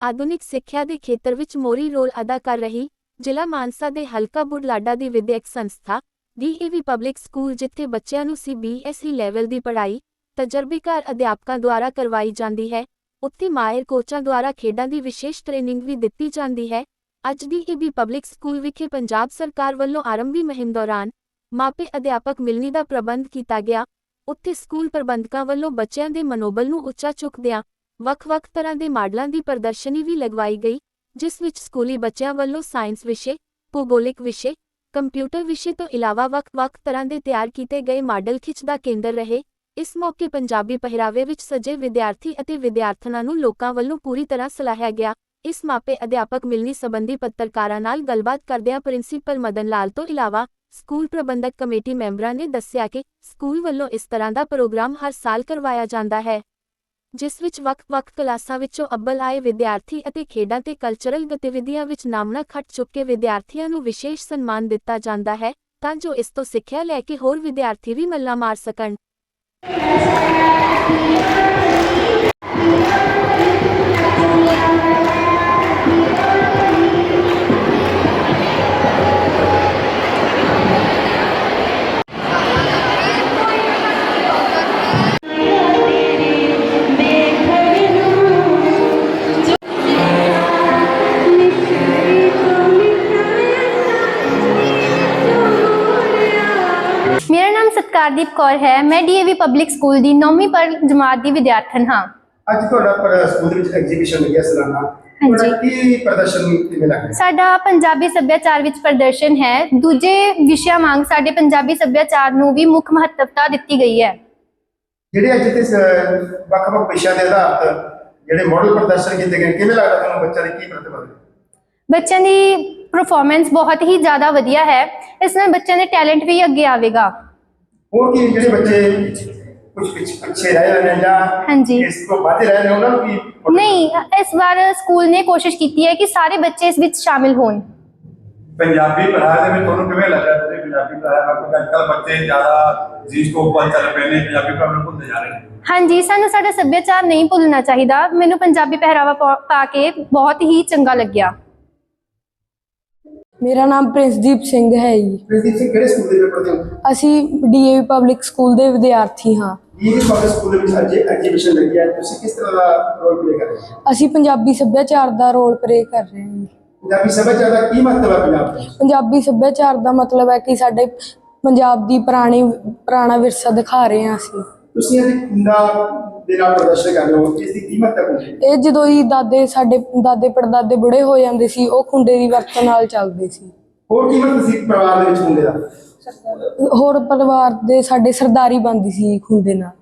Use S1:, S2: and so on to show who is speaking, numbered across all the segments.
S1: ਆਧੁਨਿਕ ਸਿੱਖਿਆ ਦੇ ਖੇਤਰ ਵਿੱਚ ਮੋਹਰੀ ਰੋਲ ਅਦਾ ਕਰ ਰਹੀ ਜ਼ਿਲ੍ਹਾ ਮਾਨਸਾ ਦੇ ਹਲਕਾ ਬੁਢਲਾਡਾ ਦੀ ਵਿਦਿਅਕ ਸੰਸਥਾ ਡੀਏਵੀ ਪਬਲਿਕ ਸਕੂਲ, ਜਿੱਥੇ ਬੱਚਿਆਂ ਨੂੰ ਸੀਬੀਐਸਈ ਲੈਵਲ ਦੀ ਪੜ੍ਹਾਈ ਤਜਰਬੇਕਾਰ ਅਧਿਆਪਕਾਂ ਦੁਆਰਾ ਕਰਵਾਈ ਜਾਂਦੀ ਹੈ, ਉੱਥੇ ਮਾਹਿਰ ਕੋਚਾਂ ਦੁਆਰਾ ਖੇਡਾਂ ਦੀ ਵਿਸ਼ੇਸ਼ ਟ੍ਰੇਨਿੰਗ ਵੀ ਦਿੱਤੀ ਜਾਂਦੀ ਹੈ। ਅੱਜ ਡੀਏਵੀ ਪਬਲਿਕ ਸਕੂਲ ਵਿਖੇ ਪੰਜਾਬ ਸਰਕਾਰ ਵੱਲੋਂ ਆਰੰਭੀ ਮੁਹਿੰਮ ਦੌਰਾਨ ਮਾਪੇ ਅਧਿਆਪਕ ਮਿਲਣੀ ਦਾ ਪ੍ਰਬੰਧ ਕੀਤਾ ਗਿਆ। ਉੱਥੇ ਸਕੂਲ ਪ੍ਰਬੰਧਕਾਂ ਵੱਲੋਂ ਬੱਚਿਆਂ ਦੇ ਮਨੋਬਲ ਨੂੰ ਉੱਚਾ ਚੁੱਕਦਿਆਂ ਵੱਖ-ਵੱਖ ਤਰ੍ਹਾਂ ਦੇ ਮਾਡਲਾਂ ਦੀ ਪ੍ਰਦਰਸ਼ਨੀ ਵੀ ਲਗਵਾਈ ਗਈ, ਜਿਸ ਵਿੱਚ ਸਕੂਲੀ ਬੱਚਿਆਂ ਵੱਲੋਂ ਸਾਇੰਸ ਵਿਸ਼ੇ, ਭੂਗੋਲਿਕ ਵਿਸ਼ੇ, ਕੰਪਿਊਟਰ ਵਿਸ਼ੇ ਤੋਂ ਇਲਾਵਾ ਵੱਖ-ਵੱਖ ਤਰ੍ਹਾਂ ਦੇ ਤਿਆਰ ਕੀਤੇ ਗਏ ਮਾਡਲ ਖਿੱਚ ਦਾ ਕੇਂਦਰ ਰਹੇ। ਇਸ ਮੌਕੇ ਪੰਜਾਬੀ ਪਹਿਰਾਵੇ ਵਿੱਚ ਸਜੇ ਵਿਦਿਆਰਥੀ ਅਤੇ ਵਿਦਿਆਰਥਣਾਂ ਨੂੰ ਲੋਕਾਂ ਵੱਲੋਂ ਪੂਰੀ ਤਰ੍ਹਾਂ ਸਲਾਹਿਆ ਗਿਆ। ਇਸ ਮਾਪੇ ਅਧਿਆਪਕ ਮਿਲਣੀ ਸੰਬੰਧੀ ਪੱਤਰਕਾਰਾਂ ਨਾਲ ਗੱਲਬਾਤ ਕਰਦਿਆਂ ਪ੍ਰਿੰਸੀਪਲ ਮਦਨ ਲਾਲ ਤੋਂ ਇਲਾਵਾ ਸਕੂਲ ਪ੍ਰਬੰਧਕ ਕਮੇਟੀ ਮੈਂਬਰਾਂ ਨੇ ਦੱਸਿਆ ਕਿ ਸਕੂਲ ਵੱਲੋਂ ਇਸ ਤਰ੍ਹਾਂ ਦਾ ਪ੍ਰੋਗਰਾਮ ਹਰ ਸਾਲ ਕਰਵਾਇਆ ਜਾਂਦਾ ਹੈ, ਜਿਸ ਵਿੱਚ ਵੱਖ-ਵੱਖ ਕਲਾਸਾਂ ਵਿੱਚੋਂ ਅੱਵਲ ਆਏ ਵਿਦਿਆਰਥੀ ਅਤੇ ਖੇਡਾਂ ਤੇ ਕਲਚਰਲ ਗਤੀਵਿਧੀਆਂ ਵਿੱਚ ਨਾਮਣਾ ਖੱਟ ਚੁੱਕੇ ਵਿਦਿਆਰਥੀਆਂ ਨੂੰ ਵਿਸ਼ੇਸ਼ ਸਨਮਾਨ ਦਿੱਤਾ ਜਾਂਦਾ ਹੈ, ਤਾਂ ਜੋ ਇਸ ਤੋਂ ਸਿੱਖਿਆ ਲੈ ਕੇ ਹੋਰ ਵਿਦਿਆਰਥੀ ਵੀ ਮੱਲਾਂ ਮਾਰ ਸਕਣ।
S2: मेरा नाम सत्कारदीप कौर है। मैं डीएवी पब्लिक स्कूल दी 9वीं पर जमात दी विद्यार्थन हाँ।
S3: ਅੱਜ ਤੁਹਾਡਾ ਪਰ ਸਕੂਲ ਦੇ ਵਿੱਚ ਐਗਜ਼ੀਬਿਸ਼ਨ ਲੱਗਿਆ ਸਾਲਾਨਾ।
S2: ਹਾਂਜੀ।
S3: ਕੀ ਪ੍ਰਦਰਸ਼ਨ ਕਿਵੇਂ ਲੱਗਿਆ?
S2: ਸਾਡਾ ਪੰਜਾਬੀ ਸੱਭਿਆਚਾਰ ਵਿੱਚ ਪ੍ਰਦਰਸ਼ਨ ਹੈ। ਦੂਜੇ ਵਿਸ਼ਿਆਂ ਵਾਂਗ ਸਾਡੇ ਪੰਜਾਬੀ ਸੱਭਿਆਚਾਰ ਨੂੰ ਵੀ ਮੁੱਖ ਮਹੱਤਵਤਾ ਦਿੱਤੀ ਗਈ ਹੈ।
S3: ਜਿਹੜੇ ਅੱਜ ਤੇ ਵੱਖ-ਵੱਖ ਵਿਸ਼ਿਆਂ ਦੇ ਆਧਾਰ ਤੇ ਜਿਹੜੇ ਮਾਡਲ ਪ੍ਰਦਰਸ਼ਨ ਕੀਤੇ ਗਏ, ਕਿਵੇਂ ਲੱਗਦਾ ਤੁਹਾਨੂੰ? ਬੱਚਿਆਂ ਦੀ ਕੀ ਪ੍ਰਤਿਭਾ ਹੈ?
S2: ਬੱਚਿਆਂ ਦੀ परफॉर्मेंस बहुत ही ज़्यादा वधिया है। इसमें बच्चों ने टैलेंट भी अगे आवेगा।
S3: और की ਜਿਹੜੇ ਬੱਚੇ ਕੁਝ ਪਿੱਛੇ ਰਹਿ ਰਹੇ ਨੇ ਜਾਂ
S2: ਹਾਂਜੀ
S3: ਇਸ ਤੋਂ ਬਾਅਦ ਰਹਿ ਰਹੇ ਨੇ, ਉਹਨਾਂ ਨੂੰ ਕੀ
S2: नहीं, इस बार स्कूल ने कोशिश की है कि सारे बच्चे इस विच शामिल होन।
S4: ਪੰਜਾਬੀ ਪੜ੍ਹਾਈ ਦੇ ਵਿੱਚ ਤੁਹਾਨੂੰ ਕਿਵੇਂ ਲੱਗਾ? ਤੁਸੀਂ ਪੰਜਾਬੀ ਪੜ੍ਹਾਈ ਕਰਦੇ ਅੱਜਕੱਲ ਬੱਚੇ ਜ਼ਿਆਦਾ ਜੀ ਸਕੋਪ ਵੱਲ ਚੱਲ ਪਏ ਨੇ, ਪੰਜਾਬੀ ਪੜ੍ਹਾਉਣ ਨੂੰ ਭੁੱਲਦੇ ਜਾ ਰਹੇ ਨੇ।
S2: हाँ जी, सानू साडा सभ्याचार नहीं भुलना चाहिए। मैनू पंजाबी पहरावा पा के बहुत ही चंगा लग्या।
S5: मेरा नाम प्रिंसदीप सिंह है जी।
S3: ਪ੍ਰਿੰਸੀਪਲ ਸਿੰਘ ਕਿਹੜੇ ਸਕੂਲ ਦੇ ਵਿੱਚ ਪੜ੍ਹਦੇ ਹੋ?
S5: ਅਸੀਂ ਡੀਏਵੀ ਪਬਲਿਕ ਸਕੂਲ ਦੇ ਵਿਦਿਆਰਥੀ ਹਾਂ।
S3: ਇਹ ਪਬਲਿਕ ਸਕੂਲ ਦੇ ਵਿੱਚ ਅੱਜ ਐਗਜ਼ੀਬਿਸ਼ਨ ਲੱਗੀ ਹੈ, ਤੁਸੀਂ ਕਿਸ ਤਰ੍ਹਾਂ ਦਾ ਰੋਲ ਪਲੇ ਕਰ ਰਹੇ ਹੋ?
S5: ਅਸੀਂ ਪੰਜਾਬੀ ਸੱਭਿਆਚਾਰ ਦਾ ਰੋਲ ਪਲੇ ਕਰ ਰਹੇ ਹਾਂ।
S3: ਪੰਜਾਬੀ ਸੱਭਿਆਚਾਰ ਦਾ ਕੀ ਮਹੱਤਵ ਹੈ ਪੰਜਾਬ ਦਾ?
S5: ਪੰਜਾਬੀ ਸੱਭਿਆਚਾਰ ਦਾ ਮਤਲਬ ਹੈ ਕਿ ਸਾਡੇ ਪੰਜਾਬ ਦੀ ਪੁਰਾਣਾ ਵਿਰਸਾ ਦਿਖਾ ਰਹੇ ਹਾਂ ਅਸੀਂ।
S3: ਤੁਸੀਂ ਅੱਜ ਖੁੰਡਾ ਦੇ ਨਾਲ ਪ੍ਰਦਰਸ਼ਨ ਕਰ ਰਹੇ ਹੋ, ਇਸ ਦੀ ਕੀ ਮਹੱਤਵ ਹੈ?
S5: ਇਹ ਜਦੋਂ ਹੀ ਸਾਡੇ ਦਾਦੇ ਪੜਦਾਦੇ ਬੁੜੇ ਹੋ ਜਾਂਦੇ ਸੀ, ਉਹ ਖੁੰਡੇ ਦੀ ਵਰਤੋਂ ਨਾਲ ਚੱਲਦੇ ਸੀ।
S3: ਹੋਰ ਕੀ ਮਹੱਤਵ ਸੀ ਪਰਿਵਾਰ ਦੇ ਵਿੱਚ ਖੁੰਡੇ ਦਾ?
S5: ਹੋਰ ਪਰਿਵਾਰ ਦੇ ਸਾਡੇ ਸਰਦਾਰੀ ਬਣਦੀ ਸੀ ਖੁੰਡੇ ਨਾਲ।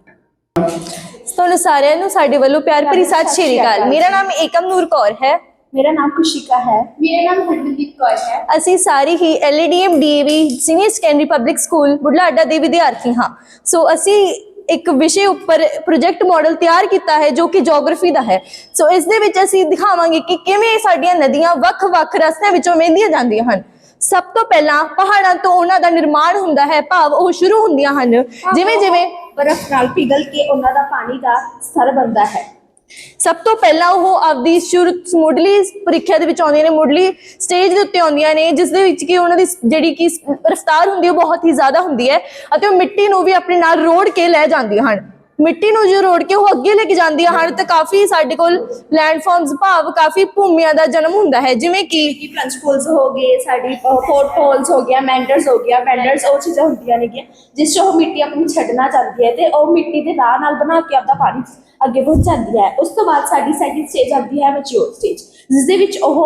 S6: ਤੁਹਾਨੂੰ ਸਾਰਿਆਂ ਨੂੰ ਸਾਡੇ ਵੱਲੋਂ ਪਿਆਰ ਭਰੀ ਸਤਿ ਸ਼੍ਰੀ ਅਕਾਲ। ਮੇਰਾ ਨਾਮ ਏਕਮ ਨੂਰ ਕੌਰ ਹੈ।
S7: मेरा नाम खुशिका है। मेरा नाम हरमनदीप कौर है।
S6: ਅਸੀਂ ਸਾਰੇ ਹੀ LADM DAV senior secondary public school Budhlada ਦੇ ਵਿਦਿਆਰਥੀ ਹਾਂ। ਸੋ ਅਸੀਂ ਇੱਕ ਵਿਸ਼ੇ ਉੱਪਰ ਪ੍ਰੋਜੈਕਟ ਮਾਡਲ ਤਿਆਰ ਕੀਤਾ ਹੈ ਜੋ ਕਿ ਜੀਓਗ੍ਰਾਫੀ ਦਾ ਹੈ। ਸੋ ਇਸ ਦੇ ਵਿੱਚ ਅਸੀਂ ਦਿਖਾਵਾਂਗੇ ਕਿ ਕਿਵੇਂ ਸਾਡੀਆਂ ਨਦੀਆਂ ਵੱਖ-ਵੱਖ ਰਸਤਿਆਂ ਵਿੱਚੋਂ ਵਹਿੰਦੀਆਂ ਜਾਂਦੀਆਂ ਹਨ। ਸਭ ਤੋਂ ਪਹਿਲਾਂ ਪਹਾੜਾਂ ਤੋਂ ਉਹਨਾਂ ਦਾ ਨਿਰਮਾਣ ਹੁੰਦਾ ਹੈ, ਭਾਵ ਉਹ ਸ਼ੁਰੂ ਹੁੰਦੀਆਂ ਹਨ। ਜਿਵੇਂ-ਜਿਵੇਂ
S7: बर्फ नाल पिघल के उन्हां दा पानी दा स्तर बनदा है।
S6: ਸਭ ਤੋਂ ਪਹਿਲਾਂ ਉਹ ਆਪਦੀ ਮੁੱਢਲੀ ਪ੍ਰੀਖਿਆ ਦੇ ਵਿੱਚ ਆਉਂਦੀਆਂ ਨੇ, ਮੁੱਢਲੀ ਸਟੇਜ ਦੇ ਉੱਤੇ ਆਉਂਦੀਆਂ ਨੇ, ਜਿਸ ਦੇ ਵਿੱਚ ਕਿ ਉਹਨਾਂ ਦੀ ਜਿਹੜੀ ਕਿ ਰਫ਼ਤਾਰ ਹੁੰਦੀ ਹੈ ਉਹ ਬਹੁਤ ਹੀ ਜ਼ਿਆਦਾ ਹੁੰਦੀ ਹੈ ਅਤੇ ਉਹ ਮਿੱਟੀ ਨੂੰ ਵੀ ਆਪਣੇ ਨਾਲ ਰੋੜ ਕੇ ਲੈ ਜਾਂਦੀਆਂ ਹਨ। ਮਿੱਟੀ ਨੂੰ ਜੋ ਰੋੜ ਕੇ ਉਹ ਅੱਗੇ ਲੈ ਕੇ ਜਾਂਦੀਆਂ ਹਨ ਤਾਂ ਕਾਫੀ ਸਾਡੇ ਕੋਲ ਲੈਂਡਫਾਰਮਸ ਭਾਵ ਕਾਫੀ ਭੂਮੀਆਂ ਦਾ ਜਨਮ ਹੁੰਦਾ ਹੈ, ਜਿਵੇਂ ਕਿ
S7: प्लंज पूल्स हो गए, साडी पोर्ट होल्स हो गया, मैंडर्स हो गया। मैंडर्स ਉਹ ਚੀਜ਼ਾਂ ਹੁੰਦੀਆਂ ਨੇ ਜਿਸ ਚੋਂ ਉਹ ਮਿੱਟੀ ਆਪਣੀ ਛੱਡਣਾ ਚਾਹੁੰਦੀ ਹੈ ਤੇ ਉਹ ਮਿੱਟੀ ਦੇ ਰਾਹ ਨਾਲ ਬਣਾ ਕੇ ਆਪਦਾ ਪਾਣੀ ਅੱਗੇ ਪਹੁੰਚਾਉਂਦੀ ਹੈ। ਉਸ ਤੋਂ ਬਾਅਦ ਸਾਡੀ ਸੈਕਿੰਡ ਸਟੇਜ ਆਉਂਦੀ ਹੈ ਮੈਚਿਓਰ ਸਟੇਜ, ਜਿਸ ਦੇ ਵਿੱਚ ਉਹ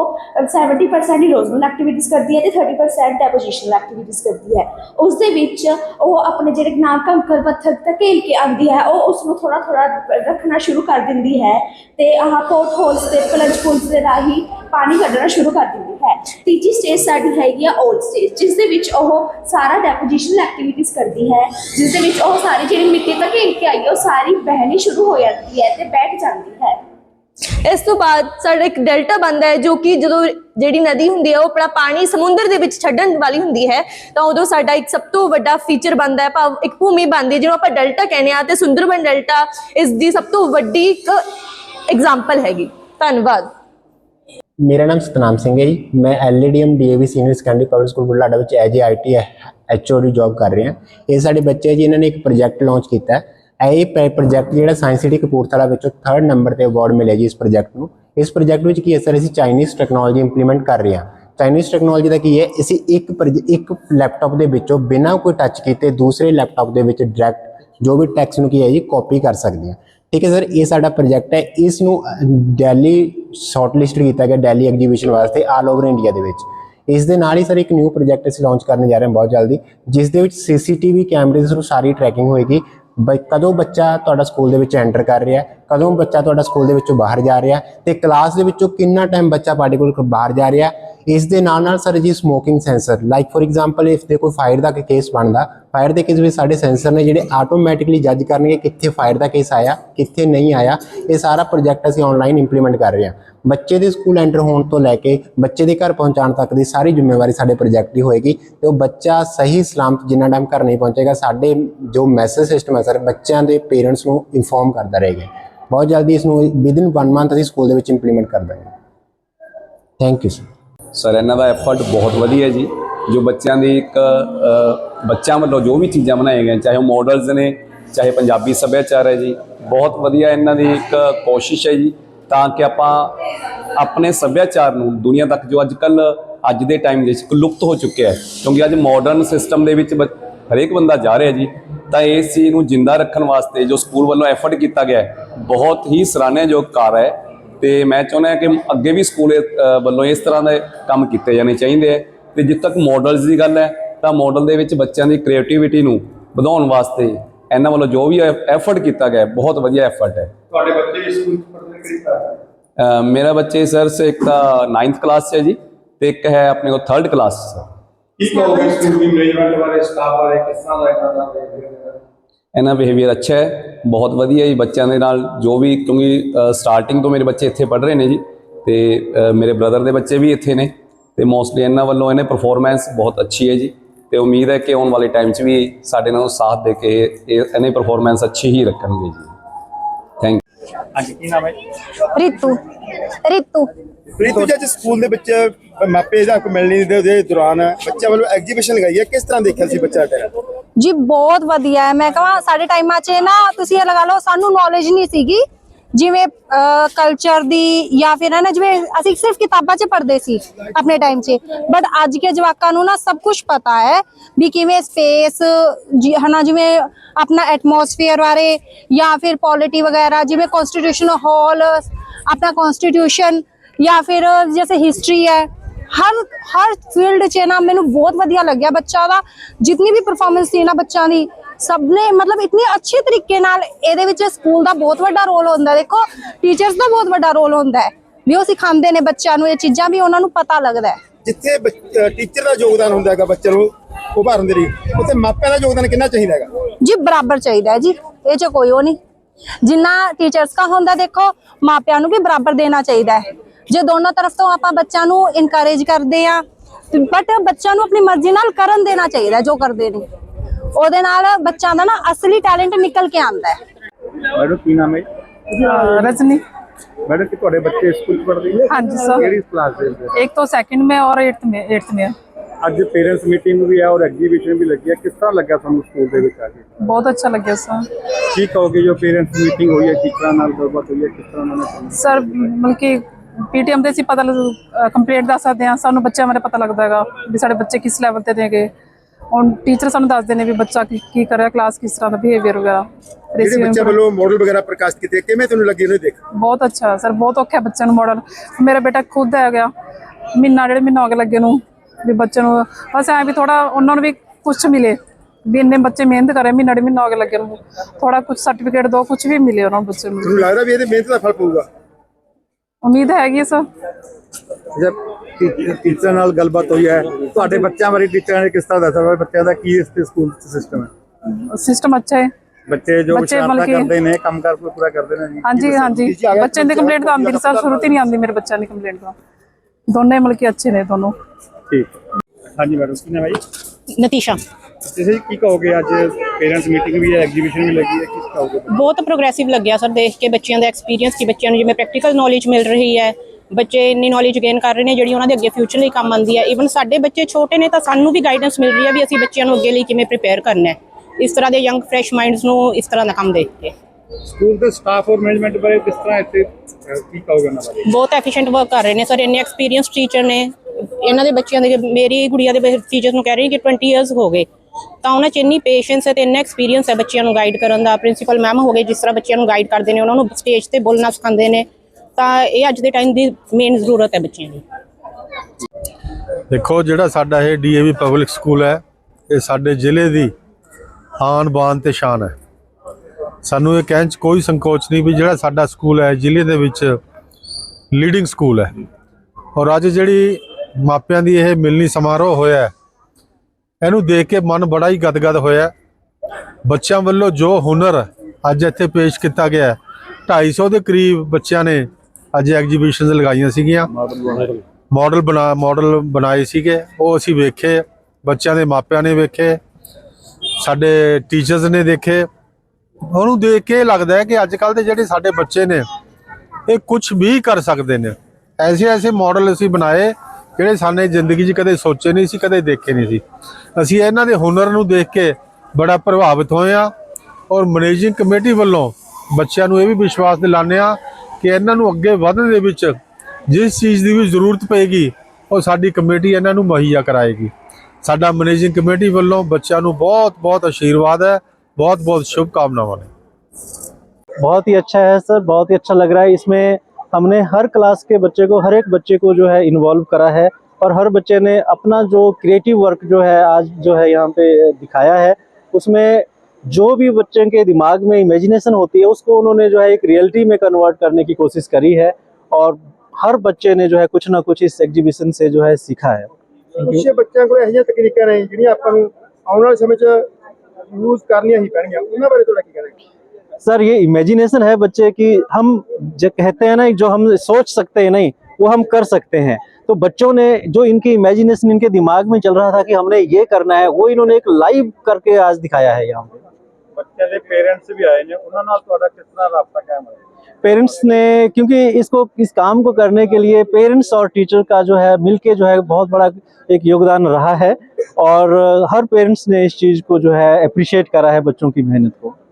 S7: 70% ਇਰੋਜ਼ਨਲ ਐਕਟੀਵਿਟੀਜ਼ ਕਰਦੀ ਹੈ ਤੇ 30% ਡੈਪੋਜੀਸ਼ਨਲ ਐਕਟੀਵਿਟੀਜ਼ ਕਰਦੀ ਹੈ। ਉਸ ਦੇ ਵਿੱਚ ਉਹ ਆਪਣੇ ਜਿਹੜੇ ਨਾ ਕੰਕਰ ਪੱਥਰ ਧਕੇਲ ਕੇ ਆਉਂਦੀ ਹੈ, ਉਹ ਉਸ ਨੂੰ ਥੋੜਾ ਥੋੜਾ ਰੱਖਣਾ ਸ਼ੁਰੂ ਕਰ ਦਿੰਦੀ ਹੈ ਤੇ ਆਹ ਪੋਰਟ ਹੋਲਸ ਤੇ ਪਲੰਜ ਪੂਲਸ ਦੇ ਰਾਹੀਂ ਪਾਣੀ ਕੱਢਣਾ ਸ਼ੁਰੂ ਕਰ ਦਿੰਦੀ ਹੈ। ਤੀਜੀ ਸਟੇਜ ਸਾਡੀ ਹੈਗੀ ਆ ਓਲਡ ਸਟੇਜ, ਜਿਸ ਦੇ ਵਿੱਚ ਉਹ ਸਾਰਾ ਡੈਪੋਜੀਸ਼ਨਲ ਐਕਟੀਵਿਟੀਜ਼ ਕਰਦੀ ਹੈ, ਜਿਸ ਦੇ ਵਿੱਚ ਉਹ ਸਾਰੀ ਜਿਹੜੀ ਮਿੱਟੀ ਧਕੇਲ ਕੇ ਆਈ ਉਹ ਸਾਰੀ ਬਹਿਣੀ ਸ਼ੁਰੂ ਹੋ ਜਾਂਦੀ ਹੈ ਤੇ ਬੈਠ ਜਾਂਦੀ ਹੈ।
S6: ਇਸ ਤੋਂ ਬਾਅਦ ਸਾਡਾ ਇੱਕ ਡੈਲਟਾ ਬਣਦਾ ਹੈ, ਜੋ ਕਿ ਜਦੋਂ ਜਿਹੜੀ ਨਦੀ ਹੁੰਦੀ ਹੈ ਉਹ ਆਪਣਾ ਪਾਣੀ ਸਮੁੰਦਰ ਦੇ ਵਿੱਚ ਛੱਡਣ ਵਾਲੀ ਹੁੰਦੀ ਹੈ ਤਾਂ ਉਦੋਂ ਸਾਡਾ ਇੱਕ ਸਭ ਤੋਂ ਵੱਡਾ ਫੀਚਰ ਬਣਦਾ ਹੈ, ਭਾਵ ਇੱਕ ਭੂਮੀ ਬਣਦੀ ਹੈ ਜਿਹਨੂੰ ਆਪਾਂ ਡੈਲਟਾ ਕਹਿੰਦੇ ਹਾਂ। ਤੇ ਸੁੰਦਰਬਨ ਡੈਲਟਾ ਇਸ ਦੀ ਸਭ ਤੋਂ ਵੱਡੀ ਇੱਕ ਐਗਜ਼ਾਮਪਲ ਹੈਗੀ। ਧੰਨਵਾਦ।
S8: ਮੇਰਾ ਨਾਮ ਸਤਨਾਮ ਸਿੰਘ ਹੈ ਜੀ। ਮੈਂ LADM DAV senior secondary public school Budhlada ਵਿੱਚ ਐਜ IT HOD ਜੌਬ ਕਰ ਰਿਹਾ। ਇਹ ਸਾਡੇ ਬੱਚੇ ਜੀ, ਇਹਨਾਂ ਨੇ ਇੱਕ ਪ੍ਰੋਜੈਕਟ ਲਾਂਚ ਕੀਤਾ ਹੈ। ਇਹ ਪ੍ਰੋਜੈਕਟ ਜਿਹੜਾ ਸਾਇੰਸ ਸਿਟੀ ਕਪੂਰਥਲਾ ਵਿੱਚੋਂ 3rd ਨੰਬਰ ਤੇ ਅਵਾਰਡ ਮਿਲਿਆ ਜੀ ਇਸ ਪ੍ਰੋਜੈਕਟ ਨੂੰ। ਇਸ ਪ੍ਰੋਜੈਕਟ ਵਿੱਚ ਕੀ ਹੈ ਸਰ, ਅਸੀਂ ਚਾਈਨੀਜ਼ ਟੈਕਨੋਲੋਜੀ ਇੰਪਲੀਮੈਂਟ ਕਰ ਰਹੇ ਹਾਂ। ਚਾਈਨੀਜ਼ ਟੈਕਨੋਲੋਜੀ ਦਾ ਕੀ ਹੈ, ਅਸੀਂ ਇੱਕ ਲੈਪਟਾਪ ਦੇ ਵਿੱਚੋਂ ਬਿਨਾਂ ਕੋਈ ਟੱਚ ਕੀਤੇ ਦੂਸਰੇ ਲੈਪਟਾਪ ਦੇ ਵਿੱਚ ਡਾਇਰੈਕਟ ਜੋ ਵੀ ਟੈਕਸਟ ਨੂੰ ਕੀ ਹੈ ਜੀ ਕਾਪੀ ਕਰ ਸਕਦੇ ਹਾਂ। ਠੀਕ ਹੈ ਸਰ, ਇਹ ਸਾਡਾ ਪ੍ਰੋਜੈਕਟ ਹੈ। ਇਸ ਨੂੰ ਦਿੱਲੀ ਸ਼ਾਰਟਲਿਸਟ ਕੀਤਾ ਗਿਆ ਦਿੱਲੀ ਐਗਜੀਬਿਸ਼ਨ ਵਾਸਤੇ ਆਲ ਓਵਰ ਇੰਡੀਆ ਦੇ ਵਿੱਚ। ਇਸ ਦੇ ਨਾਲ ਹੀ ਸਰ ਇੱਕ ਨਿਊ ਪ੍ਰੋਜੈਕਟ ਅਸੀਂ ਲਾਂਚ ਕਰਨ ਜਾ ਰਹੇ ਹਾਂ ਬਹੁਤ ਜਲਦੀ, ਜਿਸ ਦੇ ਵਿੱਚ CCTV ਕੈਮਰੇ ਦੇ ਥਰੂ ਸਾਰੀ ਟਰੈਕਿੰਗ ਹੋਏਗੀ। ਕਦੋਂ ਬੱਚਾ ਤੁਹਾਡਾ ਸਕੂਲ ਦੇ ਵਿੱਚ ਐਂਟਰ ਕਰ ਰਿਹਾ, ਕਦੋਂ ਬੱਚਾ ਤੁਹਾਡਾ ਸਕੂਲ ਦੇ ਵਿੱਚੋਂ ਬਾਹਰ ਜਾ ਰਿਹਾ, ਤੇ ਕਲਾਸ ਦੇ ਵਿੱਚੋਂ ਕਿੰਨਾ ਟਾਈਮ ਬੱਚਾ ਪਾਰਟੀਕੂਲਰ ਬਾਹਰ ਜਾ ਰਿਹਾ। ਇਸ ਦੇ ਨਾਲ sir ji smoking sensor, like for example if ਦੇ ਕੋਈ ਫਾਇਰ ਦਾ ਕੇਸ ਬਣਦਾ, ਫਾਇਰ ਦੇ ਕੇਸ ਵਿੱਚ ਸਾਡੇ ਸੈਂਸਰ ਨੇ ਜਿਹੜੇ ਆਟੋਮੈਟਿਕਲੀ ਜੱਜ ਕਰਨਗੇ ਕਿੱਥੇ ਫਾਇਰ ਦਾ ਕੇਸ ਆਇਆ, ਕਿੱਥੇ ਨਹੀਂ ਆਇਆ। ਇਹ ਸਾਰਾ ਪ੍ਰੋਜੈਕਟ ਅਸੀਂ ਆਨਲਾਈਨ ਇੰਪਲੀਮੈਂਟ ਕਰ ਰਹੇ ਹਾਂ। ਬੱਚੇ ਦੇ ਸਕੂਲ ਐਂਟਰ ਹੋਣ ਤੋਂ ਲੈ ਕੇ ਬੱਚੇ ਦੇ ਘਰ ਪਹੁੰਚਾਉਣ ਤੱਕ ਦੀ ਸਾਰੀ ਜ਼ਿੰਮੇਵਾਰੀ ਸਾਡੇ ਪ੍ਰੋਜੈਕਟ ਦੀ ਹੋਏਗੀ, ਤੇ ਉਹ ਬੱਚਾ ਸਹੀ ਸਲਾਮਤ ਜਿੰਨਾ ਟਾਈਮ ਘਰ ਨਹੀਂ ਪਹੁੰਚੇਗਾ, ਸਾਡੇ ਜੋ ਮੈਸੇਜ ਸਿਸਟਮ ਹੈ ਸਰ ਬੱਚਿਆਂ ਦੇ ਪੇਰੈਂਟਸ ਨੂੰ ਇਨਫੋਰਮ ਕਰਦਾ ਰਹੇਗਾ। ਬਹੁਤ ਜਲਦੀ ਇਸ ਨੂੰ ਵਿਦਿਨ 1 ਮੰਥ ਅਸੀਂ ਸਕੂਲ ਦੇ ਵਿੱਚ ਇੰਪਲੀਮੈਂਟ ਕਰ ਦਾਂਗੇ। Thank you
S9: sir. ਇਹਨਾਂ ਦਾ ਐਫਰਟ ਬਹੁਤ ਵਧੀਆ ਜੀ। ਜੋ ਬੱਚਿਆਂ ਦੀ ਇੱਕ ਬੱਚਿਆਂ ਵੱਲੋਂ ਜੋ ਵੀ ਚੀਜ਼ਾਂ ਬਣਾਈਆਂ ਗਈਆਂ, ਚਾਹੇ ਉਹ ਮਾਡਲਸ ਨੇ, ਚਾਹੇ ਪੰਜਾਬੀ ਸੱਭਿਆਚਾਰ ਹੈ ਜੀ, ਬਹੁਤ ਵਧੀਆ ਇਹਨਾਂ ਦੀ ਇੱਕ ਕੋਸ਼ਿਸ਼ ਹੈ ਜੀ, ਤਾਂ ਕਿ ਆਪਾਂ ਆਪਣੇ ਸੱਭਿਆਚਾਰ ਨੂੰ ਦੁਨੀਆ ਤੱਕ, ਜੋ ਅੱਜ ਦੇ ਟਾਈਮ ਦੇ ਵਿੱਚ ਲੁਪਤ ਹੋ ਚੁੱਕਿਆ ਹੈ, ਕਿਉਂਕਿ ਅੱਜ ਮਾਡਰਨ ਸਿਸਟਮ ਦੇ ਵਿੱਚ ਹਰੇਕ ਬੰਦਾ ਜਾ ਰਿਹਾ ਜੀ, ਤਾਂ ਇਸ ਚੀਜ਼ ਨੂੰ ਜਿੰਦਾ ਰੱਖਣ ਵਾਸਤੇ ਜੋ ਸਕੂਲ ਵੱਲੋਂ ਐਫਰਟ ਕੀਤਾ ਗਿਆ ਹੈ, ਬਹੁਤ ਹੀ ਸਰਾਹਨਯੋਗ ਕਾਰਜ ਹੈ। ਤੇ ਮੈਂ ਚਾਹੁੰਦਾ ਕਿ ਅੱਗੇ ਵੀ ਸਕੂਲ ਵੱਲੋਂ ਇਸ ਤਰ੍ਹਾਂ ਦੇ ਕੰਮ ਕੀਤੇ ਜਾਣੇ ਚਾਹੀਦੇ ਹੈ। ਤੇ ਜਿੱਥੇ ਤੱਕ ਮਾਡਲਸ ਦੀ ਗੱਲ ਹੈ, ਤਾਂ ਮਾਡਲ ਦੇ ਵਿੱਚ ਬੱਚਿਆਂ ਦੀ ਕ੍ਰੀਏਟੀਵਿਟੀ ਨੂੰ ਵਧਾਉਣ ਵਾਸਤੇ ਇਹਨਾਂ ਵੱਲੋਂ ਜੋ ਵੀ ਐਫਰਟ ਕੀਤਾ ਗਿਆ, ਬਹੁਤ ਵਧੀਆ ਐਫਰਟ ਹੈ।
S4: ਤੁਹਾਡੇ ਬੱਚੇ ਇਸ ਸਕੂਲ ਪੜ੍ਹਦੇ ਕਿਹੜੀ ਕਲਾਸ?
S9: ਮੇਰਾ ਬੱਚੇ ਸਰ ਇੱਕ ਤਾਂ 9th ਕਲਾਸ 'ਚ ਹੈ ਜੀ, ਤੇ ਇੱਕ ਹੈ ਆਪਣੇ ਕੋਲ 3rd ਕਲਾਸ 'ਚ।
S4: ਕੀ ਕਹੋਗੇ ਸਕੂਲ ਦੀ ਮੈਨੇਜਮੈਂਟ ਬਾਰੇ, ਸਟਾਫ ਬਾਰੇ, ਕਿਸ ਤਰ੍ਹਾਂ ਦਾ
S9: ਇਹਨਾਂ ਬਿਹੇਵੀਅਰ ਅੱਛਾ ਹੈ, ਬਹੁਤ ਵਧੀਆ ਜੀ ਬੱਚਿਆਂ ਦੇ ਨਾਲ। ਜੋ ਵੀ, ਕਿਉਂਕਿ ਸਟਾਰਟਿੰਗ ਤੋਂ ਮੇਰੇ ਬੱਚੇ ਇੱਥੇ ਪੜ੍ਹ ਰਹੇ ਨੇ ਜੀ, ਤੇ ਮੇਰੇ ਬ੍ਰਦਰ ਦੇ ਬੱਚੇ ਵੀ ਇੱਥੇ ਨੇ, ਤੇ ਮੋਸਟਲੀ ਇਹਨਾਂ ਵੱਲੋਂ ਇਹਨੇ ਪਰਫਾਰਮੈਂਸ ਬਹੁਤ ਅੱਛੀ ਹੈ ਜੀ, ਤੇ ਉਮੀਦ ਹੈ ਕਿ ਆਉਣ ਵਾਲੇ ਟਾਈਮ 'ਚ ਵੀ ਸਾਡੇ ਨਾਲ ਸਾਥ ਦੇ ਕੇ ਇਹਨੇ ਪਰਫਾਰਮੈਂਸ ਅੱਛੀ ਹੀ ਰੱਖਣਗੇ ਜੀ। Thank you.
S4: ਹਾਂਜੀ, ਕੀ ਨਾਮ ਹੈ?
S2: ਰਿਤੂ
S3: ਪ੍ਰੀਤੂ ਜੀ, ਅੱਜ ਸਕੂਲ ਦੇ ਵਿੱਚ ਮਾਪੇ ਦਾ ਮਿਲਣੀ ਦੇ ਦੌਰਾਨ ਬੱਚਿਆਂ ਵੱਲੋਂ ਐਗਜੀਬਿਸ਼ਨ ਲਗਾਈ ਹੈ, ਕਿਸ ਤਰ੍ਹਾਂ ਦੇਖਿਆ ਸੀ ਬੱਚਾ ਟਾਈਮ?
S10: ਜੀ ਬਹੁਤ ਵਧੀਆ ਹੈ। ਮੈਂ ਕਹਾਂ ਸਾਡੇ ਟਾਈਮਾਂ 'ਚ ਨਾ ਤੁਸੀਂ ਇਹ ਲਗਾ ਲਓ, ਸਾਨੂੰ ਨੌਲੇਜ ਨਹੀਂ ਸੀਗੀ ਜਿਵੇਂ ਕਲਚਰ ਦੀ, ਜਾਂ ਫਿਰ ਨਾ ਜਿਵੇਂ ਅਸੀਂ ਸਿਰਫ ਕਿਤਾਬਾਂ 'ਚ ਪੜ੍ਹਦੇ ਸੀ ਆਪਣੇ ਟਾਈਮ 'ਚ, ਬਟ ਅੱਜ ਕੇ ਜਵਾਕਾਂ ਨੂੰ ਨਾ ਸਭ ਕੁਝ ਪਤਾ ਹੈ ਵੀ ਕਿਵੇਂ ਸਪੇਸ ਹੈ ਨਾ, ਜਿਵੇਂ ਆਪਣਾ ਐਟਮੋਸਫੀਅਰ ਬਾਰੇ, ਜਾਂ ਫਿਰ ਪੋਲਿਟੀ ਵਗੈरह, ਜਿਵੇਂ ਕॉन्स्टिट्यूशन हॉल, अपना कॉन्स्टिट्यूशन, या फिर जैसे हिस्ट्री है, हर फील्ड च ना मैनू बहुत वधिया लग्या बच्चा दा। जितनी भी परफॉर्मेंस थी ना बच्चों की, सब ने मतलब इतने अच्छे तरीके नाल इहदे विच स्कूल दा बहुत वड्डा रोल होंदा। देखो टीचर्स दा बहुत वड्डा रोल होंदा है भी वो सिखांदे ने बच्चों नूं, ये चीज़ां भी उन्हां नूं पता लगदा है।
S3: ਜਿੱਥੇ ਟੀਚਰ ਦਾ ਯੋਗਦਾਨ ਹੁੰਦਾ ਹੈਗਾ ਬੱਚੇ ਨੂੰ ਉਭਾਰਨ ਦੇ ਲਈ, ਉੱਥੇ ਮਾਪਿਆਂ ਦਾ ਯੋਗਦਾਨ ਕਿੰਨਾ ਚਾਹੀਦਾ ਹੈਗਾ?
S10: जी बराबर चाहिए जी, ये च कोई वो नहीं। जिन्ना टीचर्स का होंदा देखो मापियां नूं भी बराबर देना चाहिए है। जे दोनों तरफ तो आपां बच्चों नूं इनकरेज करदे आ, बट बच्चों नूं अपनी मर्जी नाल करन देना चाहिए जो करदे ने, ओहदे नाल बच्चों दा ना असली टैलेंट निकल के आंदा है।
S4: मैडम की नाम है?
S11: रजनी।
S4: मैडम कि ਤੁਹਾਡੇ ਬੱਚੇ ਸਕੂਲ ਪੜ੍ਹਦੇ ਨੇ?
S11: हाँ जी सर।
S4: ਕਿਹੜੀ ਕਲਾਸ ਦੇ ਵਿੱਚ?
S11: एक तो 2nd में और 8th में।
S4: ਅੱਜ ਪੇਰੈਂट्स ਮੀਟਿੰਗ ਵੀ ਹੈ ਔਰ ਐਗਜੀਬਿਸ਼ਨ ਵੀ ਲੱਗੀ ਹੈ, ਕਿਸ ਤਰ੍ਹਾਂ ਲੱਗਾ ਤੁਹਾਨੂੰ ਸਕੂਲ ਦੇ ਵਿੱਚ ਆ ਕੇ?
S11: बहुत अच्छा लगे सर।
S4: ਕੀ ਕਹੋਗੇ ਜੋ ਪੇਰੈਂट्स ਮੀਟਿੰਗ ਹੋਈ ਹੈ, ਟੀਚਰਾਂ ਨਾਲ ਗੱਲਬਾਤ ਹੋਈ ਹੈ, ਕਿਸ ਤਰ੍ਹਾਂ ਉਹਨਾਂ ਨੇ ਤੁਹਾਨੂੰ?
S11: सर बल्कि PTM ਦੇ ਅਸੀਂ ਪਤਾ ਕੰਪਲੀਟ ਦੱਸ ਸਕਦੇ ਹਾਂ, ਸਾਨੂੰ ਬੱਚਿਆਂ ਬਾਰੇ ਪਤਾ ਲੱਗਦਾ ਹੈਗਾ ਵੀ ਸਾਡੇ ਬੱਚੇ ਕਿਸ ਲੈਵਲ ਤੇ ਨੇਗੇ। ਹੁਣ ਟੀਚਰ ਸਾਨੂੰ ਦੱਸਦੇ ਨੇ ਵੀ ਬੱਚਾ ਕੀ ਕਰ ਰਿਹਾ, ਕਲਾਸ ਕਿਸ ਤਰ੍ਹਾਂ ਦਾ ਬਿਹੇਵੀਅਰ ਵਗੈਰਾ।
S3: ਜਿਹੜੇ ਬੱਚੇ ਵੱਲੋਂ ਮਾਡਲ ਵਗੈਰਾ ਪ੍ਰਕਾਸ਼ਿਤ ਕੀਤੇ, ਕਿਵੇਂ ਤੁਹਾਨੂੰ ਲੱਗੀ ਉਹਨੂੰ ਦੇਖ?
S11: ਬਹੁਤ ਅੱਛਾ ਸਰ, ਬਹੁਤ ਔਖਾ ਬੱਚਿਆਂ ਨੂੰ ਮਾਡਲ। ਮੇਰਾ ਬੇਟਾ ਖੁਦ ਹੈ ਗਿਆ, ਮਹੀਨਾ 1.5 ਮਹੀਨਾ ਹੋ ਗਿਆ ਲੱਗੇ ਨੂੰ, ਵੀ ਬੱਚੇ ਨੂੰ ਬਸ ਐ ਵੀ ਥੋੜਾ ਉਹਨਾਂ ਨੂੰ ਵੀ ਕੁਛ ਮਿਲੇ, ਵੀ ਇੰਨੇ ਬੱਚੇ ਮਿਹਨਤ ਕਰ ਰਹੇ, ਮਹੀਨਾ 1.5 ਮਹੀਨਾ ਹੋ ਗਿਆ ਲੱਗੇ ਨੂੰ, ਥੋੜਾ ਕੁਛ ਸਰਟੀਫਿਕੇਟ ਦੋ, ਕੁਛ ਵੀ ਮਿਲੇ ਉਹਨਾਂ ਨੂੰ ਬੱਚੇ ਨੂੰ।
S3: ਤੁਹਾਨੂੰ ਲੱਗਦਾ ਵੀ ਇਹਦੇ ਮਿਹਨਤ ਦਾ ਫਲ ਪਊਗਾ?
S11: ਉਮੀਦ ਹੈਗੀ ਹੈ ਸਰ।
S4: ਜਦ ਟੀਚਰ ਨਾਲ ਗੱਲਬਾਤ ਹੋਈ ਹੈ, ਤੁਹਾਡੇ ਬੱਚਿਆਂ ਬਾਰੇ ਟੀਚਰਾਂ ਨੇ ਕਿਸ ਤਰ੍ਹਾਂ ਦੱਸਿਆ, ਬੱਚਿਆਂ ਦਾ ਕੀ ਇਸ ਸਕੂਲ ਸਿਸਟਮ ਹੈ?
S11: ਸਿਸਟਮ ਅੱਛਾ ਹੈ।
S4: ਬੱਚੇ ਜੋ ਸ਼ਰਾਰਤਾਂ ਕਰਦੇ ਨੇ, ਕੰਮਕਾਰ ਪੂਰਾ ਕਰਦੇ ਨੇ ਜੀ?
S11: ਹਾਂਜੀ ਹਾਂਜੀ, ਬੱਚਿਆਂ ਦੀ ਕੰਪਲੇਂਟ ਤਾਂ ਆਉਂਦੀ ਸਰ, ਸ਼ੁਰੂ ਤੋਂ ਨਹੀਂ ਆਉਂਦੀ ਮੇਰੇ ਬੱਚਿਆਂ ਦੀ ਕੰਪਲੇਂਟ ਤਾਂ। ਦੋਨੇ ਮਤਲਬ ਕਿ ਅੱਛੇ ਨੇ ਦੋਨੋਂ।
S4: ਠੀਕ। ਹਾਂਜੀ ਮੈਡਮ, ਕੀ ਨਾਮ ਹੈ ਜੀ?
S12: ਨਤੀਸ਼ਾ।
S4: ਤੁਸੀਂ ਕੀ ਕਹੋਗੇ, ਅੱਜ ਪੇਰੈਂट्स ਮੀਟਿੰਗ ਵੀ ਹੈ, ਐਗਜੀਬਿਸ਼ਨ ਵੀ ਲੱਗੀ ਹੈ, ਕਿਸ ਕਹੋਗੇ?
S12: ਬਹੁਤ ਪ੍ਰੋਗਰੈਸਿਵ ਲੱਗਿਆ ਸਰ ਦੇਖ ਕੇ ਬੱਚਿਆਂ ਦਾ ਐਕਸਪੀਰੀਅੰਸ, ਕਿ ਬੱਚਿਆਂ ਨੂੰ ਜਿਵੇਂ ਪ੍ਰੈਕਟੀਕਲ ਨੌਲੇਜ ਮਿਲ ਰਹੀ ਹੈ, ਬੱਚੇ ਇੰਨੀ ਨੌਲੇਜ ਗੇਨ ਕਰ ਰਹੇ ਨੇ ਜਿਹੜੀ ਉਹਨਾਂ ਦੇ ਅੱਗੇ ਫਿਊਚਰ ਲਈ ਕੰਮ ਆਉਂਦੀ ਹੈ। ਈਵਨ ਸਾਡੇ ਬੱਚੇ ਛੋਟੇ ਨੇ ਤਾਂ ਸਾਨੂੰ ਵੀ ਗਾਈਡੈਂਸ ਮਿਲ ਰਹੀ ਹੈ ਵੀ ਅਸੀਂ ਬੱਚਿਆਂ ਨੂੰ ਅੱਗੇ ਲਈ ਕਿਵੇਂ ਪ੍ਰਿਪੇਅਰ ਕਰਨਾ ਹੈ, ਇਸ ਤਰ੍ਹਾਂ ਦੇ ਯੰਗ ਫਰੈਸ਼ ਮਾਈਂਡਸ ਨੂੰ ਇਸ ਤਰ੍ਹਾਂ ਦਾ ਕੰਮ ਦੇਖ ਕੇ।
S4: ਸਕੂਲ ਦੇ ਸਟਾਫ ਔਰ ਮੈਨੇਜਮੈਂਟ ਬਾਰੇ ਕਿਸ ਤਰ੍ਹਾਂ ਇੱਥੇ ਕੀ ਕਹੋਗੇ ਉਹਨਾਂ ਬਾਰੇ?
S12: ਬਹੁਤ ਐਫੀਸ਼ੀਐਂਟ ਵਰਕ ਕਰ ਰਹੇ ਨੇ ਸਰ, ਇੰਨੇ ਐਕਸਪੀਰੀਅੰਸ ਟੀਚਰ ਨੇ। ਇਹਨਾਂ ਦੇ ਬੱਚਿਆਂ ਦੇ, ਮੇਰੀ ਗੁੜੀਆ ਦੇ ਟੀਚਰਸ ਨੂੰ ਕਹਿ ਰਹੀ ਕਿ 20 ਇਅਰਸ ਹੋ ਗਏ, ਤਾਂ ਉਹਨਾਂ 'ਚ ਇੰਨੀ ਪੇਸ਼ੈਂਸ ਹੈ ਤੇ ਇੰਨਾ ਐਕਸਪੀਰੀਅੰਸ ਹੈ ਬੱਚਿਆਂ ਨੂੰ ਗਾਈਡ ਕਰਨ ਦਾ। ਪ੍ਰਿੰਸੀਪਲ ਮੈਮ ਹੋ ਗਏ, ਜਿਸ ਤਰ੍ਹਾਂ ਬੱਚਿਆਂ ਨੂੰ ਗਾਈਡ ਕਰਦੇ ਨੇ, ਉਹਨਾਂ ਨੂੰ ਸਟੇਜ ਤੇ ਬੋਲਣਾ ਸਿਖਾਉਂਦੇ ਨੇ, ਤਾਂ ਇਹ ਅੱਜ ਦੇ ਟਾਈਮ ਦੀ ਮੇਨ ਜ਼ਰੂਰਤ ਹੈ ਬੱਚਿਆਂ ਦੀ।
S13: ਦੇਖੋ, ਜਿਹੜਾ ਸਾਡਾ ਇਹ DAV ਪਬਲਿਕ ਸਕੂਲ ਹੈ, ਇਹ ਸਾਡੇ ਜ਼ਿਲ੍ਹੇ ਦੀ ਆਨ ਬਾਨ ਤੇ ਸ਼ਾਨ ਹੈ। ਸਾਨੂੰ ਇਹ ਕਹਿਣ 'ਚ ਕੋਈ ਸੰਕੋਚ ਨਹੀਂ ਵੀ ਜਿਹੜਾ ਸਾਡਾ ਸਕੂਲ ਹੈ ਜ਼ਿਲ੍ਹੇ ਦੇ ਵਿੱਚ ਲੀਡਿੰਗ ਸਕੂਲ ਹੈ। ਔਰ ਅੱਜ ਜਿਹੜੀ ਮਾਪਿਆਂ ਦੀ ਇਹ ਮਿਲਣੀ ਸਮਾਰੋਹ ਹੋਇਆ, ਇਹਨੂੰ ਦੇਖ ਕੇ ਮਨ ਬੜਾ ਹੀ ਗਦਗਦ ਹੋਇਆ। ਬੱਚਿਆਂ ਵੱਲੋਂ ਜੋ ਹੁਨਰ ਅੱਜ ਇੱਥੇ ਪੇਸ਼ ਕੀਤਾ ਗਿਆ, 250 ਦੇ ਕਰੀਬ ਬੱਚਿਆਂ ਨੇ ਅੱਜ ਐਗਜੀਬਿਸ਼ਨਸ ਲਗਾਈਆਂ ਸੀਗੀਆਂ, ਮਾਡਲ ਬਣਾਏ ਸੀਗੇ, ਉਹ ਅਸੀਂ ਵੇਖੇ, ਬੱਚਿਆਂ ਦੇ ਮਾਪਿਆਂ ਨੇ ਵੇਖੇ, ਸਾਡੇ ਟੀਚਰਸ ਨੇ ਦੇਖੇ। ਉਹਨੂੰ ਦੇਖ ਕੇ ਲੱਗਦਾ ਹੈ ਕਿ ਅੱਜ ਕੱਲ੍ਹ ਦੇ ਜਿਹੜੇ ਸਾਡੇ ਬੱਚੇ ਨੇ ਇਹ ਕੁਝ ਵੀ ਕਰ ਸਕਦੇ ਨੇ। ਐਸੇ ਮਾਡਲ ਅਸੀਂ ਬਣਾਏ ਜਿਹੜੇ ਸਾਨੇ ਜ਼ਿੰਦਗੀ 'ਚ ਕਦੇ ਸੋਚੇ ਨਹੀਂ ਸੀ, ਕਦੇ ਦੇਖੇ ਨਹੀਂ ਸੀ। ਅਸੀਂ ਇਹਨਾਂ ਦੇ ਹੁਨਰ ਨੂੰ ਦੇਖ ਕੇ ਬੜਾ ਪ੍ਰਭਾਵਿਤ ਹੋਏ ਹਾਂ। ਔਰ ਮੈਨੇਜਿੰਗ ਕਮੇਟੀ ਵੱਲੋਂ ਬੱਚਿਆਂ ਨੂੰ ਇਹ ਵੀ ਵਿਸ਼ਵਾਸ ਦਿਲਾਉਂਦੇ ਹਾਂ ਕਿ ਇਹਨਾਂ ਨੂੰ ਅੱਗੇ ਵਧਣ ਦੇ ਵਿੱਚ ਜਿਸ ਚੀਜ਼ ਦੀ ਵੀ ਜ਼ਰੂਰਤ ਪਏਗੀ ਉਹ ਸਾਡੀ ਕਮੇਟੀ ਇਹਨਾਂ ਨੂੰ ਮੁਹੱਈਆ ਕਰਾਏਗੀ। ਸਾਡਾ ਮੈਨੇਜਿੰਗ ਕਮੇਟੀ ਵੱਲੋਂ ਬੱਚਿਆਂ ਨੂੰ ਬਹੁਤ ਬਹੁਤ आशीर्वाद है, बहुत बहुत शुभकामनाएं हैं।
S14: बहुत ही अच्छा है सर, बहुत ही अच्छा लग रहा है। इसमें हमने हर क्लास के बच्चे को, हर एक बच्चे को जो है इन्वॉल्व करा है और हर बच्चे ने अपना जो क्रिएटिव वर्क जो है आज जो है यहाँ पे दिखाया है। उसमें जो भी बच्चे के दिमाग में इमेजिनेशन होती है उसको उन्होंने जो है एक रियलिटी में कन्वर्ट करने की कोशिश करी है और हर बच्चे ने जो है कुछ ना कुछ इस एग्जीबिशन से जो है सीखा है।
S3: ਕੁਝ ਬੱਚਿਆਂ ਕੋਲ ਇਹੋ ਜਿਹੀਆਂ ਤਕਨੀਕਾਂ ਨੇ ਜਿਹੜੀਆਂ ਆਪਾਂ ਨੂੰ ਆਉਣ ਵਾਲੇ ਸਮੇਂ 'ਚ यूज करनी ही पैणगियां, उन्हां बारे थोड़ा की कहना है?
S14: सर, ये इमेजिनेशन है बच्चे की। हम जो कहते हैं ना, जो हम सोच सकते हैं नहीं वो हम कर सकते हैं। तो बच्चों ने जो इनकी इमेजिनेशन इनके दिमाग में चल रहा था कि हमने ये करना है, वो इन्होंने एक लाइव करके आज दिखाया है यहाँ पे।
S4: बच्चे के पेरेंट्स भी आए ने, उन्हां नाल तुहाडा किस तरह राबता कायम है?
S14: पेरेंट्स ने, क्योंकि इस काम को करने के लिए पेरेंट्स और टीचर का जो है मिलके जो है बहुत बड़ा एक योगदान रहा है और हर पेरेंट्स ने इस चीज़ को जो है अप्रिशिएट करा है बच्चों की मेहनत को।